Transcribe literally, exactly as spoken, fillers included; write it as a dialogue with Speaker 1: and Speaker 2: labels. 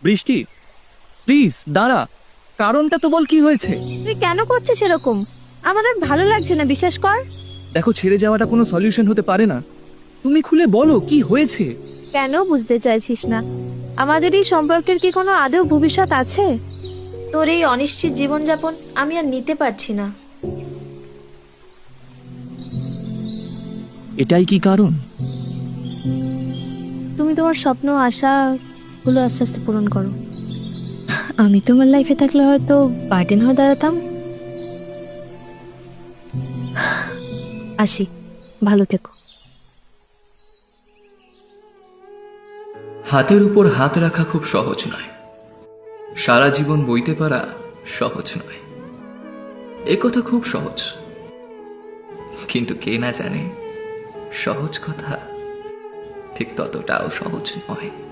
Speaker 1: বৃষ্টি প্লিজ দাঁড়া, কারণটা তো বল কি হয়েছে।
Speaker 2: তুই কেন করছিস এরকম? আমার আর ভালো লাগছে না, বিশ্বাস কর।
Speaker 1: দেখো, ছেড়ে যাওয়াটা কোনো সলিউশন হতে পারে না। তুমি খুলে বলো কি হয়েছে।
Speaker 2: কেন বুঝতে চাইছিস না? আমাদের এই সম্পর্কের কি কোনো আদৌ ভবিষ্যৎ আছে? তোর এই অনিশ্চিত জীবনযাপন আমি আর নিতে পারছি না।
Speaker 1: এটাই কি কারণ?
Speaker 2: তুমি তোমার স্বপ্ন আশা গুলো আস্তে আস্তে পূরণ করো। আমি তোমার লাইফে থাকলে হয়তো বার্ডেন হয়ে দাঁড়াতাম। আসি, ভালো থেকো।
Speaker 3: হাতের উপর হাত রাখা খুব সহজ নয়, সারা জীবন বইতে পারা সহজ নয়। এ কথা খুব সহজ, কিন্তু কে না জানে সহজ কথা ঠিক ততটাও সহজ নয়।